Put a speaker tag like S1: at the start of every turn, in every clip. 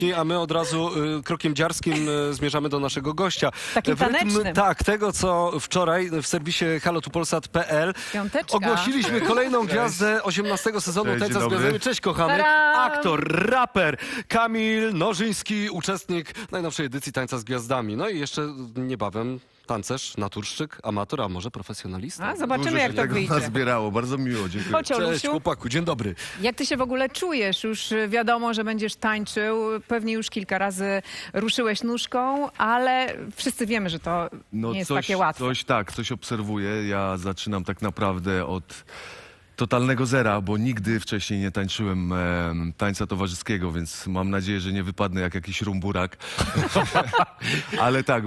S1: A my od razu krokiem dziarskim zmierzamy do naszego gościa.
S2: Takim
S1: W rytm,
S2: tanecznym.
S1: tak, tego co wczoraj w serwisie haloTuPolsat.pl
S2: Piąteczka.
S1: ogłosiliśmy kolejną gwiazdę 18 sezonu
S3: Cześć,
S1: Tańca z
S3: dzień dobry.
S1: Gwiazdami. Cześć kochany,
S2: Tadam!
S1: aktor, raper Kamil Nożyński, uczestnik najnowszej edycji Tańca z Gwiazdami. No i jeszcze niebawem tancerz, naturszczyk, amator, a może profesjonalista.
S2: A, zobaczymy,
S3: Dużo
S2: jak
S3: się
S2: to
S3: tego
S2: wyjdzie.
S3: nazbierało, bardzo miło, dziękuję.
S2: Chodź,
S1: Cześć
S2: Olusiu.
S1: chłopaku, dzień dobry.
S2: Jak ty się w ogóle czujesz? Już wiadomo, że będziesz tańczył. Pewnie już kilka razy ruszyłeś nóżką, ale wszyscy wiemy, że to nie jest takie łatwe.
S3: Coś obserwuję. Ja zaczynam tak naprawdę od totalnego zera, bo nigdy wcześniej nie tańczyłem tańca towarzyskiego, więc mam nadzieję, że nie wypadnę jak jakiś rumburak. Ale tak,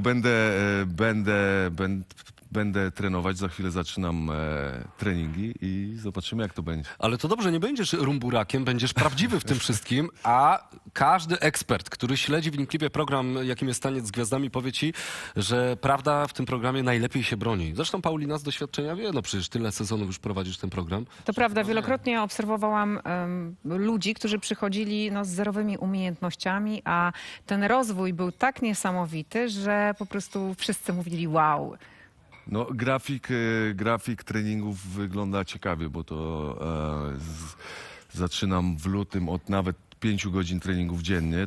S3: będę trenować, za chwilę zaczynam treningi i zobaczymy, jak to będzie.
S1: Ale to dobrze, nie będziesz rumburakiem, będziesz prawdziwy w tym wszystkim, a każdy ekspert, który śledzi w Inklipie program, jakim jest Taniec z Gwiazdami, powie ci, że prawda w tym programie najlepiej się broni. Zresztą Paulina z doświadczenia wie, no przecież tyle sezonów już prowadzisz ten program.
S2: To prawda, wielokrotnie obserwowałam ludzi, którzy przychodzili z zerowymi umiejętnościami, a ten rozwój był tak niesamowity, że po prostu wszyscy mówili wow.
S3: No, grafik treningów wygląda ciekawie, bo to zaczynam w lutym od nawet 5 godzin treningów dziennie,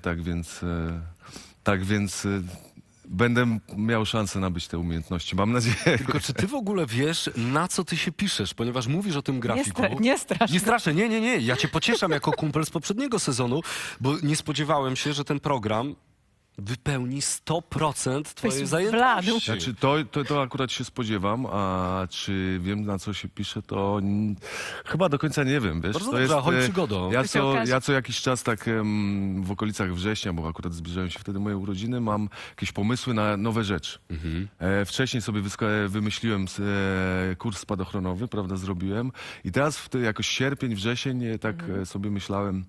S3: tak więc będę miał szansę nabyć te umiejętności, mam nadzieję.
S1: Tylko czy ty w ogóle wiesz, na co ty się piszesz, ponieważ mówisz o tym grafiku.
S2: Nie strasz.
S1: Nie straszę, nie. Ja cię pocieszam jako kumpel z poprzedniego sezonu, bo nie spodziewałem się, że ten program wypełni 100% twojej
S2: Byś
S1: zajętości.
S2: wladł.
S3: Znaczy, to akurat się spodziewam, a czy wiem, na co się pisze, to chyba do końca nie wiem, wiesz.
S1: Bardzo
S3: to
S1: dobrze, chodź przygodą.
S3: Ja
S2: To się okaże.
S3: co jakiś czas tak w okolicach września, bo akurat zbliżają się wtedy moje urodziny, mam jakieś pomysły na nowe rzeczy. Wcześniej sobie wymyśliłem kurs spadochronowy, prawda, zrobiłem i teraz jakoś sierpień, wrzesień sobie myślałem,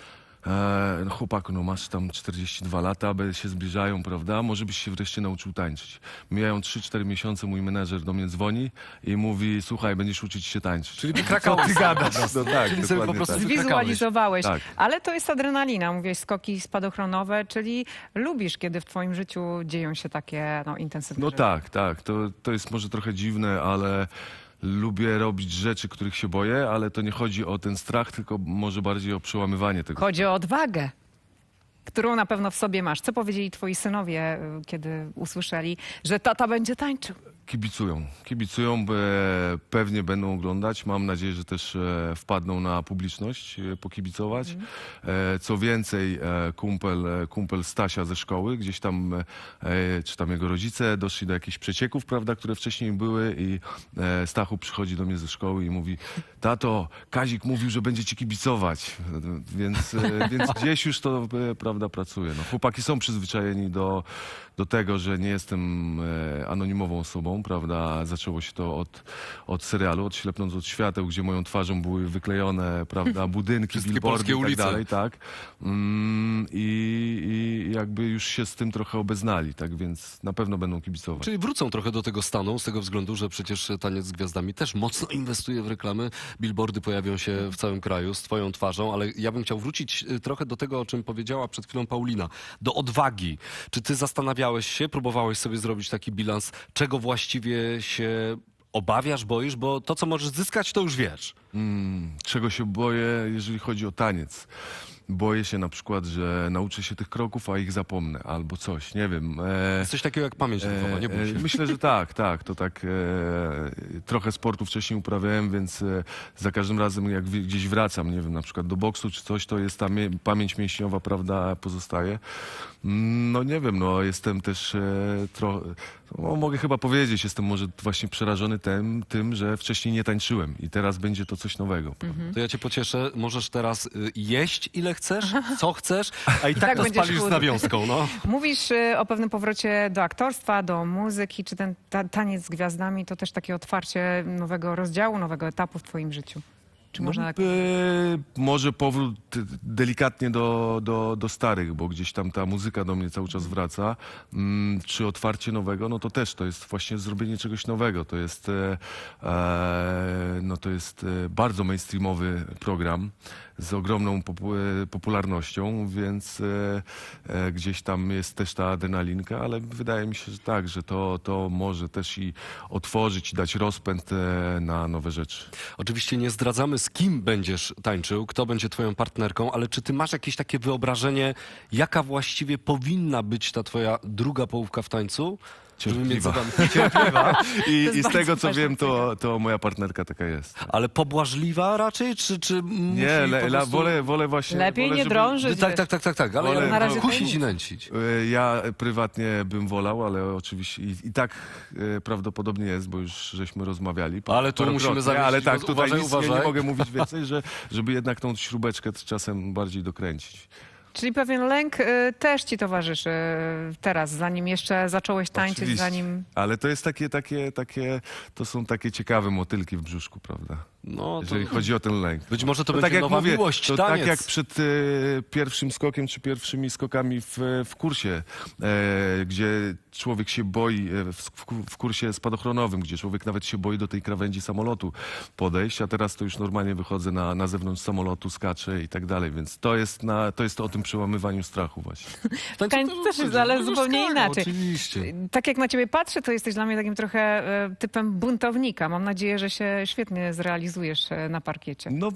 S3: no chłopaku, no masz tam 42 lata, się zbliżają, prawda? Może byś się wreszcie nauczył tańczyć. Mijają 3-4 miesiące, mój menedżer do mnie dzwoni i mówi, słuchaj, będziesz uczyć się tańczyć.
S1: Czyli wykrakałeś.
S3: Ty gadasz. No tak,
S1: Czyli sobie po
S3: dokładnie
S1: prostu
S3: tak.
S2: Zwizualizowałeś.
S3: Tak.
S2: Ale to jest adrenalina, mówiłeś skoki spadochronowe, czyli lubisz, kiedy w twoim życiu dzieją się takie intensywne
S3: No
S2: rzeczy.
S3: tak. To jest może trochę dziwne, ale lubię robić rzeczy, których się boję, ale to nie chodzi o ten strach, tylko może bardziej o przełamywanie tego.
S2: Chodzi o odwagę, którą na pewno w sobie masz. Co powiedzieli twoi synowie, kiedy usłyszeli, że tata będzie tańczył?
S3: Kibicują, pewnie będą oglądać. Mam nadzieję, że też wpadną na publiczność pokibicować. Co więcej, kumpel Stasia ze szkoły, gdzieś tam, czy tam jego rodzice doszli do jakichś przecieków, prawda, które wcześniej były i Stachu przychodzi do mnie ze szkoły i mówi, tato, Kazik mówił, że będzie ci kibicować, więc gdzieś już to, prawda, pracuje. No, chłopaki są przyzwyczajeni do tego, że nie jestem anonimową osobą, prawda? Zaczęło się to od serialu, od Ślepnąc od świateł, gdzie moją twarzą były wyklejone, prawda, budynki,
S1: Wszystkie
S3: billboardy
S1: polskie
S3: i tak
S1: ulice.
S3: dalej, tak. I jakby już się z tym trochę obeznali, tak więc na pewno będą kibicować.
S1: Czyli wrócą trochę do tego stanu, z tego względu, że przecież Taniec z Gwiazdami też mocno inwestuje w reklamy. Billboardy pojawią się w całym kraju z twoją twarzą, ale ja bym chciał wrócić trochę do tego, o czym powiedziała przed chwilą Paulina. Do odwagi. Czy ty zastanawiałeś się, próbowałeś sobie zrobić taki bilans, czego właściwie się obawiasz, boisz? Bo to, co możesz zyskać, to już wiesz.
S3: Czego się boję, jeżeli chodzi o taniec? Boję się na przykład, że nauczę się tych kroków, a ich zapomnę, albo coś, nie wiem.
S1: Jest coś takiego jak pamięć nerwowa, nie bój się.
S3: Myślę, że tak. To tak trochę sportu wcześniej uprawiałem, więc za każdym razem jak gdzieś wracam, nie wiem, na przykład do boksu czy coś, to jest ta pamięć mięśniowa, prawda, pozostaje. No nie wiem, no jestem też trochę, mogę chyba powiedzieć, jestem może właśnie przerażony tym, że wcześniej nie tańczyłem i teraz będzie to coś nowego.
S1: To ja cię pocieszę, możesz teraz jeść ile chcesz, co chcesz, a i tak
S2: tak
S1: to
S2: będziesz
S1: spalisz z
S2: chudły.
S1: nawiązką, no.
S2: Mówisz o pewnym powrocie do aktorstwa, do muzyki. Czy ten taniec z gwiazdami to też takie otwarcie nowego rozdziału, nowego etapu w twoim życiu? Czy można tak...
S3: Może powrót delikatnie do starych, bo gdzieś tam ta muzyka do mnie cały czas wraca. Czy otwarcie nowego, no to też to jest właśnie zrobienie czegoś nowego. To jest, to jest bardzo mainstreamowy program z ogromną popularnością, więc gdzieś tam jest też ta adrenalinka, ale wydaje mi się, że tak, że to może też i otworzyć, i dać rozpęd na nowe rzeczy.
S1: Oczywiście nie zdradzamy, z kim będziesz tańczył, kto będzie twoją partnerką, ale czy ty masz jakieś takie wyobrażenie, jaka właściwie powinna być ta twoja druga połówka w tańcu? Żeby mieć
S3: Cierpliwa.
S1: zadane- Cierpliwa.
S3: I z
S2: bardzo
S3: tego, co
S2: ważna
S3: wiem,
S2: cecha.
S3: to moja partnerka taka jest.
S1: Ale pobłażliwa raczej, czy musi
S3: Nie,
S1: po prostu...
S3: wolę właśnie...
S2: Lepiej
S3: wolę,
S2: nie
S3: żeby-
S2: drążyć.
S1: Tak, ale
S3: Wolę-
S2: Na razie
S1: kusić
S2: tajemnica.
S1: i nęcić.
S3: Ja prywatnie bym wolał, ale oczywiście i tak prawdopodobnie jest, bo już żeśmy rozmawiali.
S1: Ale tu musimy
S3: parokrotnie,
S1: zawiesić,
S3: ale tak,
S1: bo
S3: tutaj
S1: uważaj,
S3: nic nie
S1: uważaj.
S3: mogę mówić więcej, żeby jednak tą śrubeczkę czasem bardziej dokręcić.
S2: Czyli pewien lęk też ci towarzyszy teraz, zanim jeszcze zacząłeś tańczyć,
S3: Oczywiście.
S2: zanim...
S3: Ale to jest to są takie ciekawe motylki w brzuszku, prawda?
S1: No, to
S3: Jeżeli chodzi o ten lęk.
S1: być może to
S3: tak
S1: będzie
S3: jak
S1: nowa
S3: mówię,
S1: miłość,
S3: to
S1: taniec.
S3: tak jak przed pierwszym skokiem, czy pierwszymi skokami w kursie, gdzie człowiek się boi, w kursie spadochronowym, gdzie człowiek nawet się boi do tej krawędzi samolotu podejść, a teraz to już normalnie wychodzę na zewnątrz samolotu, skaczę i tak dalej, więc to jest o tym przełamywaniu strachu właśnie.
S1: W tańcu
S2: Tańc też jest, ale
S1: będziesz
S2: zupełnie
S1: skakał,
S2: inaczej.
S1: Oczywiście.
S2: Tak jak na ciebie patrzę, to jesteś dla mnie takim trochę typem buntownika. Mam nadzieję, że się świetnie zrealizujesz na parkiecie.
S3: No,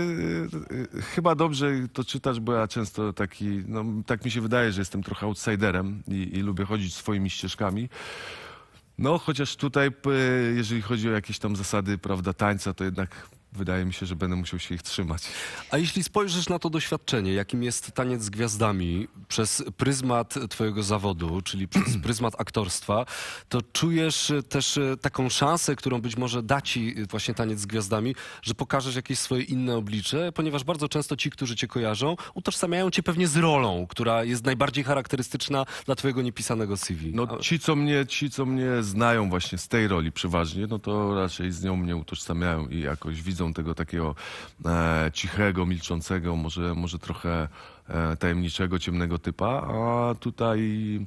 S3: chyba dobrze to czytasz, bo ja często tak mi się wydaje, że jestem trochę outsiderem i lubię chodzić swoimi ścieżkami. No, chociaż tutaj, jeżeli chodzi o jakieś tam zasady, prawda, tańca, to jednak wydaje mi się, że będę musiał się ich trzymać.
S1: A jeśli spojrzysz na to doświadczenie, jakim jest taniec z gwiazdami, przez pryzmat twojego zawodu, czyli przez pryzmat aktorstwa, to czujesz też taką szansę, którą być może da ci właśnie taniec z gwiazdami, że pokażesz jakieś swoje inne oblicze, ponieważ bardzo często ci, którzy cię kojarzą, utożsamiają cię pewnie z rolą, która jest najbardziej charakterystyczna dla twojego niepisanego CV.
S3: No, ci, co mnie znają właśnie z tej roli przeważnie, no to raczej z nią mnie utożsamiają i jakoś widzą tego takiego cichego, milczącego, może trochę tajemniczego, ciemnego typa, a tutaj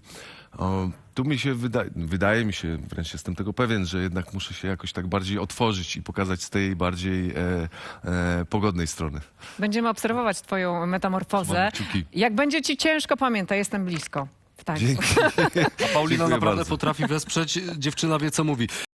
S3: tu mi się wydaje mi się, wręcz jestem tego pewien, że jednak muszę się jakoś tak bardziej otworzyć i pokazać z tej bardziej pogodnej strony.
S2: Będziemy obserwować twoją metamorfozę.
S1: Trzymamy kciuki.
S2: Jak będzie ci ciężko, pamiętaj, jestem blisko w tańcu.
S3: Dzięki.
S1: A Paulina
S3: Dziękuję
S1: naprawdę
S3: bardzo.
S1: potrafi wesprzeć, dziewczyna wie co mówi.